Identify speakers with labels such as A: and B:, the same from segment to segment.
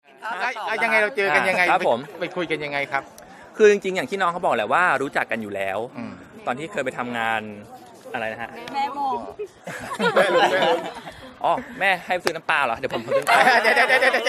A: ยังไงเราเจอกันยังไง
B: ครับผม
A: ไปคุยกันยังไงครับ
B: คือจริงๆอย่างที่น้องเขาบอกแหละว่ารู้จักกันอยู่แล้ว ตอนที่เคยไปทำงานอะไรนะฮะ
C: แม่โม
B: อ๋อแม่ให้ซื้อน้ำปลาเหรอเดี๋ยวผมซื้อน้ำปลา
A: เดี๋ยว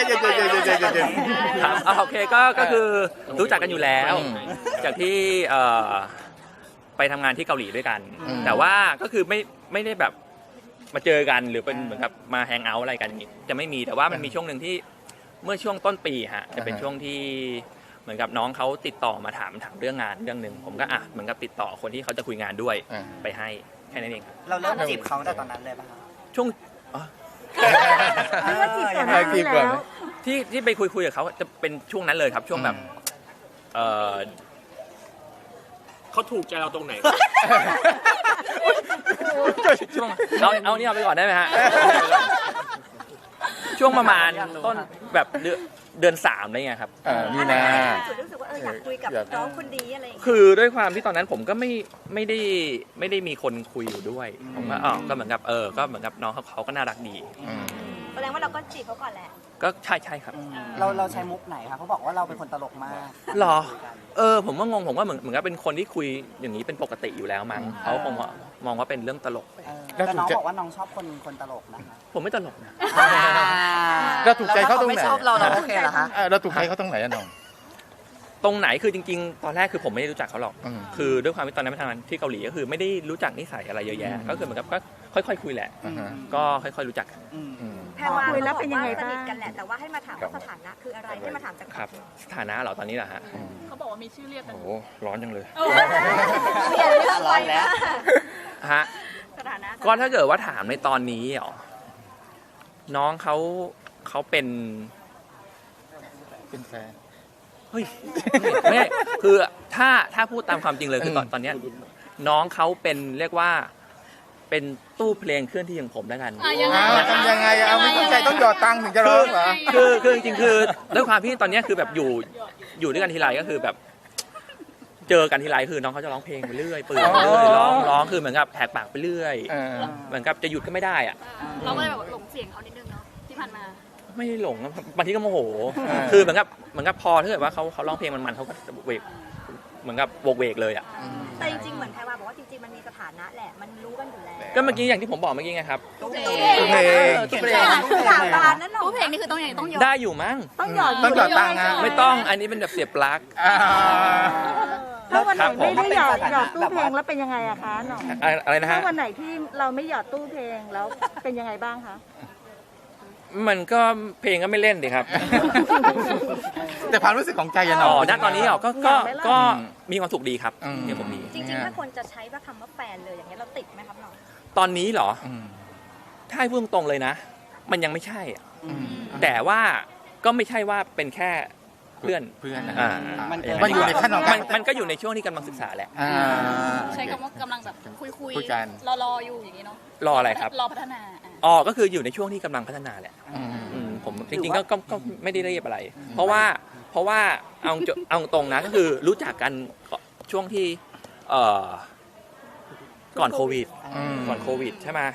B: ครับโอเคก็คือรู้จักกันอยู่แล้ว จากที่ไปทำงานที่เกาหลีด้วยกัน แต่ว่าก็คือไม่ได้แบบมาเจอกันหรือเป็นเหมือนกับมาแฮงเอาท์อะไรกันอย่างนี้จะไม่มีแต่ว่ามันมีช่วงหนึ่งที่เมื่อช่วงต้นปีฮะจะเป็นช่วงที่เหมือนกับน้องเขาติดต่อมาถามเรื่องงานเรื่องหนึ่งผมก็เหมือนกับติดต่อคนที่เขาจะคุยงานด้วยไปให้แค่นั้นเอง
D: เราเริ่มจีบเขาตั้งแต่ตอนนั้นเลยป่ะคะ
B: ช่วง
C: หรือว่าจีบก่อนหน้านี้แล้ว
B: ที่ไปคุยกับเขาจะเป็นช่วงนั้นเลยครับช่วงแบบ
E: เขาถูกใจเราตรงไหน
B: ช่วงเอานี่เอาไปก่อนได้ไหมฮะช่วงประมาณต้นแบบเดือน3อะไรเงี้ยครับ
A: มีนา
C: รู้สึกว่าอยากคุยกับน้องคนดีอะไรอย่างเงี้ย
B: คือด้วยความที่ตอนนั้นผมก็ไม่ได้มีคนคุยอยู่ด้วยผมก็ก็เหมือนกับก็เหมือนกับน้องเขาก็น่ารักดี
C: แสดงว่าเราก็จีบเขาก่อนแหละ
B: ก็ใช่ครับ
D: เราใช้มุกไหนคะเขาบอกว่าเราเป็นคนตลกมาก
B: หรอผมก็งงผมว่าเหมือนกับเป็นคนที่คุยอย่างนี้เป็นปกติอยู่แล้วมั้งเขาคงมองว่าเป็นเรื่องตลกไป
D: แต่น้องบอกว่าน้องชอบคนตลกนะคะ
B: ผมไม่ตลกนะ
A: เราถูกใจเขาตรงไหน
D: ไม่ชอบเราโอเคเหรอคะ
A: เราถูกใจเขาตรงไหนอะน้อง
B: ตรงไหนคือจริงๆตอนแรกคือผมไม่ได้รู้จักเขาหรอกคือด้วยความที่ตอนนั้นไปทำงานที่เกาหลีก็คือไม่ได้รู้จักนิสัยอะไรเยอะแยะก็คือเหมือนกับก็ค่อยๆคุยแหละก็ค่อยๆรู้จักกัน
C: แพรวาคุยแล้วเป็นยังไงบ้างสนิทกันแหละแต่ว่าให้มาถามว่าสถานะคืออะไรให้มาถามจาก
B: ครับสถานะเหรอตอนนี้เหรอฮะ
E: เขาบอกว่ามีชื่อเรียกกัน
B: โอ้โหร้อนจังเลย
C: เปลี่ยนเรื่องไปแล้ว
B: ฮะ
C: สถานะ
B: ก็ถ้าเกิดว่าถามในตอนนี้เหรอน้องเขาเป็น
A: เป็นแฟน
B: เฮ้ยไม่คือถ้าพูดตามความจริงเลยคือตอนเนี้ยน้องเขาเป็นเรียกว่าเป็นตู้เพลงเคลื่อนที่ของผมแล้วกัน
A: ทำยังไงเอาไม่เข้าใจต้องหยอดตังค์ถึงจะร้องเหรอ
B: คือจริงๆคือด้วยความที่ตอนเนี้ยคือแบบอยู่ด้วยกันทีไรก็คือแบบ เจอกันทีไรคือน้องเขาจะร้องเพลงไปเรื่อยเปื่อยไปเรื่อยร้องคือเหมือนกับแหกปากไปเรื่อยเหมือนกับจะหยุดก็ไม่ได้อ่ะ
F: เราก็เลยแบบหลงเสียงเขานิดนึงเนาะที่ผ่านมา
B: ไม่ได้หลงนะบางทีก็โมโหคือเหมือนกับพอถ้าเกิดว่าเขาร้องเพลงมันเขาก็เวกเหมือนกับโวกเวกเลยอ่ะ
C: แต่จริงๆเหมือนแพรวาบอกว่าจริงๆมันมีสถานะแหละมันรู้กันอยู่แล้ว
B: ก็เมื่อกี้อย่างที่ผมบอกเมื่อกี้ไงครับ
D: ตู้เพล
A: ตู้เพลง
B: ตู้เพลง
C: สาบานนั่นหรอ
F: ตู้เพลงนี่คือต้องยอม
B: ได้อยู่มั้ง
C: ต้องหยอด
A: ต้องหยอดตังค์อะ
B: ไม่ต้องอันนี้เป็นแบบเสียบปลั๊ก
G: ถ้าวันไหน
B: ครับผม
G: ไม่ได้หยอดตู้เพลงแล้วเป็นยังไงอะคะหน่อง
B: อะไรนะ
G: ถ้า
B: ฮะ
G: วันไหนที่เราไม่หยอดตู้เพลงแล้วเป็นยังไงบ้างคะ
B: มันก็เพลงก็ไม่เล่นดิครับ
A: แต่ความรู้สึกของใจอะน้
B: อ๋
A: อ
B: อง ณตอนนี้เหรอก็มีความสุขดีครับมีความสุขดี
C: จริงๆถ้าคนจะใช้ว่าคำว่าแฟนเลยอย่างเงี้ยเราติดไหมครับน้อง
B: ตอนนี้เหรอถ้าให้พูดตรงๆเลยนะ มันยังไม่ใช่อะแต่ว่าก็ไม่ใช่ว่าเป็นแค่เพื่อน
A: เพื่อนนะ
B: มัน
A: อยู่ในขั้นของ
B: มันก็อยู่ในช่วงที่กำลังศึกษาแหละ
F: ใช้คำว่ากำลังแบบคุย
A: คุยกัน
F: รออยู่อย่างนี้เนาะ
B: รออะไรครับ
F: รอพัฒนา
B: ก็คืออยู่ในช่วงที่กำลังพัฒนาแหละผมจริงๆก็ไม่ได้เรียบอะไร เพราะว่าเอาตรงนะก็คือรู้จักกันช่วงที่ก่อนโควิดใช่ไหม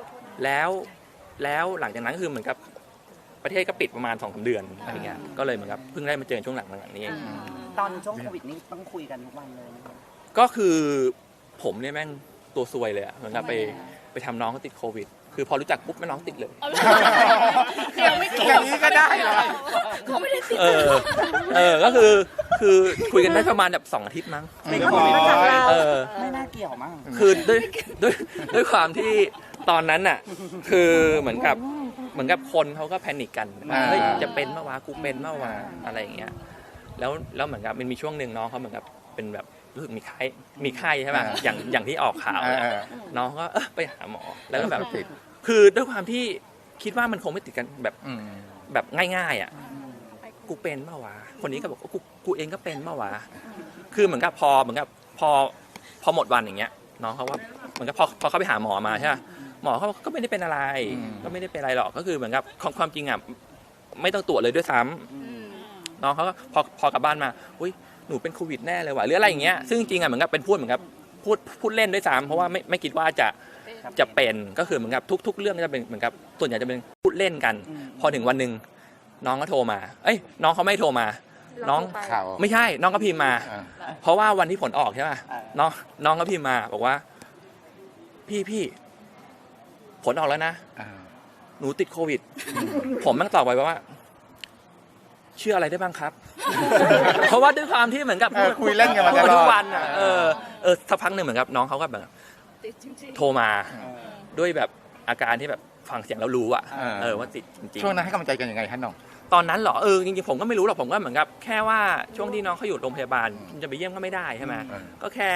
B: แล้วหลังจากนั้นก็คือเหมือนกับประเทศก็ปิดประมาณ2-3 เดือนอะไรเงี้ยก็เลยเหมือนกับเพิ่งได้มาเจอช่วงหลังนี้เอง
D: ตอนช่วงโควิดนี่ต้องคุยกันทุกวันเลยนะคะ
B: ก็คือผมเนี่ยแม่งตัวซวยเลยอะเหมือนกับไปทำน้องเขาติดโควิด คือพอรู้จักปุ๊บแม่น้องติดเลย
F: เดี๋ยวไม่เกี่
A: อย่างนี้ก็ได้เหรอ
F: เขาไม่ได้ติด
B: ก็คือคุยกันได้ประมาณแบบ2 อาทิตย์มั้ง
G: เป็นคนมาจากเรา
D: ไม่น่าเกี่ยวมั้ง
B: คือด้วยความที่ตอนนั้นน่ะคือเหมือนกับคนเขาก็แพนิคกันเฮ้ยจะเป็นเมื่อวากูเป็นเมื่อวาอะไรอย่างเงี้ยแล้วเหมือนกับมันมีช่วงหนึ่งน้องเขาเหมือนกับเป็นแบบรู้สึกมีไข้ใช่ป่ะอย่างที่ออกข่าวน้องก็ไปหาหมอแล้วก็แบบคือด้วยความที่คิดว่ามันคงไม่ติดกันแบบง่ายๆอ่ะกูเป็นเมื่อวาคนนี้ก็บอกกูเองก็เป็นเมื่อวาคือเหมือนกับพอหมดวันอย่างเงี้ยน้องเขาว่าเหมือนกับพอเขาไปหาหมอมาใช่ป่ะหมอเขาก็ไม่ได้เป็นอะไรก็ไม่ได้เป็นอะไรหรอกก็คือเหมือนกับความจริงอ่ะไม่ต้องตรวจเลยด้วยซ้ำน้องเขาก็พอกลับบ้านมาอุ้ยหนูเป็นโควิดแน่เลยว่ะหรืออะไรอย่างเงี้ยซึ่งจริงอ่ะเหมือนกับเป็นพูดเล่นด้วยซ้ำเพราะว่าไม่คิดว่าจะเป็นก็คือเหมือนกับทุกเรื่องก็จะเป็นเหมือนกับส่วนใหญ่จะเป็นพูดเล่นกันพอถึงวันหนึ่งน้องก็โทรมาเอ้ยน้องเขาไม่โทรมา น้อง
G: เราโทรไป
A: ข่าว
B: ไม่ใช่น้องก็พิมพ์มา
A: อ่า
B: เพราะว่าวันที่ผลออกใช่ป่ะน้องก็พิมพ์มาบอกว่า พี่ผลออกแล้วนะ
A: อ่า
B: หนูติดโควิด ผมแม่งตอบไปว่าเชื่ออะไรได้บ้างครับ เพราะว่าด้วยความที่เหมือนกับ
A: คุยเล่นกันมาต
B: พูด
A: ล
B: ทุ
A: อกด
B: วันอ่ะสักพักหนึ่งเหมือนกับน้องเขาก็แบบ
F: ติดจริง
B: โทรมาด้วยแบบอาการที่แบบฟังเสียงแล้วรู้อ่ะว่าติดจริง
A: ช่วงนั้นให้กำลังใจกันยังไงฮะน้อง
B: ๆตอนนั้นเหรอจริงๆผมก็ไม่รู้หรอกผมก็เหมือนกับแค่ว่าช่วงที่น้องเขาอยู่โรงพยาบาลจะไปเยี่ยมก็ไม่ได้ใช่ไหม ก็แค่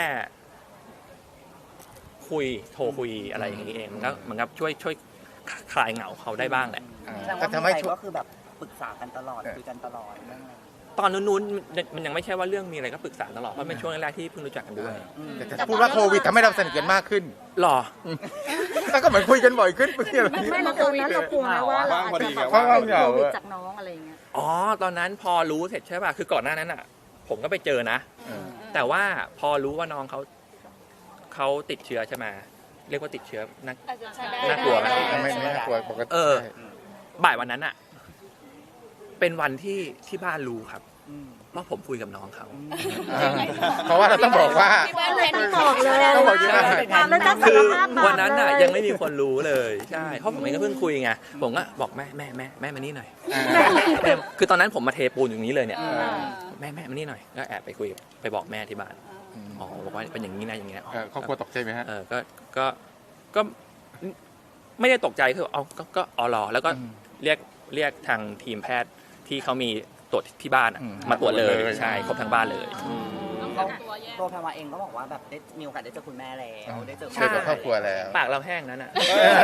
B: โทรคุยอะไรอย่างนี้เองมันก็เหมือนกับช่วยคลายเหงาเขาได้บ้างแหละ
D: แสดงว่า
A: ทำให้
D: ใจ
A: ช่วง
D: ก็คือแบบปรึกษากันตลอดคุยกันตลอดเรื่องอะไร
B: ตอนนู้นๆมันยังไม่ใช่ว่าเรื่องมีอะไรก็ปรึกษาตลอดเพราะเป็นช่วงแรกๆที่เพิ่งรู้จักกันด้วย
A: แต่พูดว่าโควิดทำให้เราสนิทกันมากขึ้น
B: หรอ
A: แล้วก็เหมือนคุยกันบ่อยขึ้นเพื่อน
G: ไม่แล้วตอนนั้นเรากลัวไหมว่าเราอาจจะแบบ
A: ว่างพอ
G: ว่า
A: ดี
G: เป็น
A: เหงา
G: โควิดจากน้องอะไรอย่างเงี้ย
B: อ๋อตอนนั้นพอรู้เสร็จใช่ป่ะคือก่อนหน้านั้นอ่ะ ผมก็ไปเจอนะ แต่ว่าพอรู้ว่าน้องเขาติดเชื้อใช่ไหมเรียกว่าติดเชื้อนัก
F: ๆอาจจะใช้ได้
B: น่ากลัวไหม
A: ไม่น่ากลัวปกติ
B: บ่ายวันนั้นอ่ะ เป็นวันที่บ้านรู้ครับว่าผมคุยกับน้องเขา
A: เพราะว่าเราต้องบอกว่า
F: ที่บ้านแพนิค
G: บอกเลย
A: ต้องบอกที่บ้าน
G: แล้วจะ
B: คื
G: สา
B: อ
G: รภาพบาป
B: วันนั้นน่ะ
G: เล
B: ยังไม่มีคนรู้เลยใช่เพราะผมเองก็เพิ่งคุยไงผมก็บอกแม่มานี่หน่อยแม่คือตอนนั้นผมมาเทปูนอย่างนี้เลยเนี่ยแม่มานี่หน่อยก็แอบไปคุยไปบอกแม่ที่บ้านอ๋อบอกว่าเป็นอย่างนี้นะอย่างเงี้ย
A: ครอบครัวตกใจไหมฮะ
B: ก็ไม่ได้ตกใจคือเอาก็รอแล้วก็เรียกทางทีมแพทย์ที่เขามีตรวจที่บ้านมาตรวจเลยใช่ครบทั้งบ้านเลย
D: ตัวแพรวาเองก็บอกว่าแบบได้มีโอกาสได้เจอคุณแม่แล้วได้เจอ
A: เจอกับครอบครัวแล้ว
B: ปากเราแห้งนั้นอ่ะ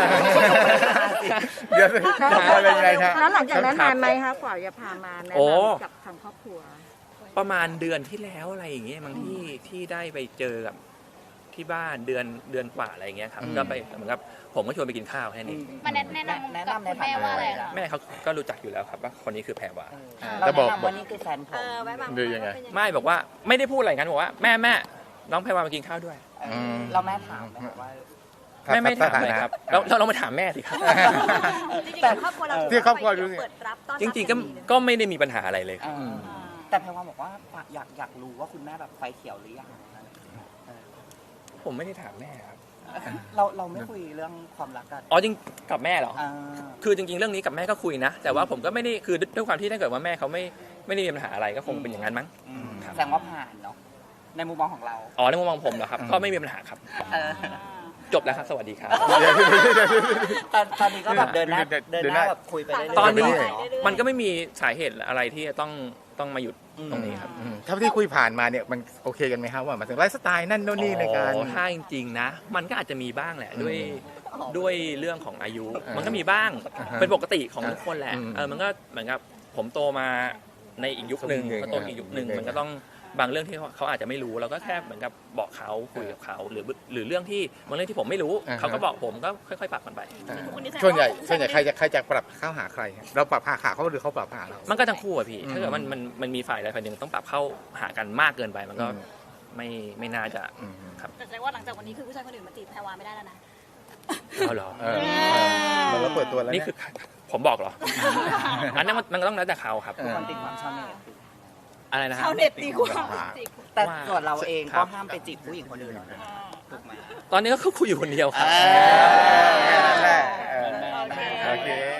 A: เดี๋ยวอะไรยังไงฮะ
G: แล้วหลังจากนั้นนานไหมคะกว่าจะพามาแนะ
B: โอ้
G: นำกับทางครอบครัว
B: ประมาณเดือนที่แล้วอะไรอย่างเงี้ยบางที่ได้ไปเจอกับที่บ้านเดือนกว่าอะไรอย่างเงี้ยครับก็ไปเหมือนกับผมก็ชวนไปกินข้าวแค่นี้
F: มาแนะนำกับคุณแม่ว่าอะไรล่ะ
B: แม่เขาก็รู้จักอยู่แล้วครับว่าคนนี้คือแพรวา
D: เราแนะนำว่านี่คือแฟนผม
C: ไว้บาง
A: ดูยังไง
B: ไม่บอกว่าไม่ได้พูดอะไรกันบอกว่าแม่น้องแพรวามากินข้าวด้วย
D: เราแม่ถามไหมว่า
B: ไม่ถามเลยครับเรามาถามแม่สิครับ
C: แต่ครอบครัวเรา
A: ที่ครอบครัวรู้
C: เปิดรับต้อนรับ
B: จริงๆก็ไม่ได้มีปัญหาอะไรเลยครับ
D: แต่แพรวาบอกว่าอยากรู้ว่าคุณแม่แบบไฟเขียวหรือยัง
B: ผมไม่ได้ถามแม่ครับ
D: เราไม่คุยเรื่องความรักกัน
B: อ๋อจริงกับแม่เหรอ
D: อ่า
B: คือจริงๆเรื่องนี้กับแม่ก็คุยนะ แต่ว่าผมก็ไม่ได้คือด้วยความที่ถ้าเกิดว่าแม่เขาไม่ได้มีปัญหาอะไรก็คงเป็นอย่างนั้นมั้ง ครับ
D: แสดงว่าผ่านเนาะในมุมมองของเรา
B: อ๋อในมุมมองผมเหรอครับก็ไม่มีปัญหาครับ จบแล้วครับสวัสดีครับ
D: ตอนนี้ก็แบบเดินหน้าแบบคุยไปเรื่อยๆ
B: ตอนนี้
D: เาะ
B: มันก็ไม่มีสาเหตุอะไรที่จะต้องมาหยุดตรงนี้ครับ
A: ถ้าที่คุยผ่านมาเนี่ยมันโอเคกันไหมครับว่าหมายถึงไลฟ์สไตล์นั่นโน่นนี่ในการ
B: อ๋อถ้าจริงๆนะ มันก็อาจจะมีบ้างแหละด้วยเรื่องของอายุ มันก็มีบ้างเป็นปกติของทุกคนแหละมันก็เหมือนกับผมโตมาในอีกยุคหนึ่งเขาโตอีกยุคหนึ่งมันก็ต้องบางเรื่องที่เขาอาจจะไม่รู้เราก็แค่เหมือนกับบอกเขาคุยกับเขาหรือเรื่องที่บางเรื่องที่ผมไม่รู้เขาก็บอกผมก็ค่อยๆปรับกันไป
A: ส่วนใหญ่ใครจะปรับเข้าหาใครฮะเราปรับหาเขาหรือเขาปรับหาเรา
B: มันก็ทั้งคู่อะพี่ถ้าเกิดมันมีฝ่ายใดฝ่ายหนึ่งต้องปรับเข้าหากันมากเกินไปมันก็ไม่น่าจะครับ
F: แต่แสดงว่าหลังจากวันนี้คือผู้ชายคนอื่นมาจีบแพรวาไม่ได้แล้วนะ
B: เอาเหรอ
A: เราเปิดตัวแล้ว
B: นี่คือผมบอกเหรออันนั้นมันก็ต้องแล้วแต่เขาครับ
D: ทุกคนติดความชาวเน็ต
B: อะไรนะฮะ
F: ชาวเน็ตดีกว่า
D: แต่ส่วนเราเอง
B: ครั
D: ก็
B: บ
D: ห้ามไปจีบผู้หญิงคนอื่นนะถูกไหม
B: ตอนนี้ก็คุยอยู่คนเดียวครับ
A: นั่นแหละโอเค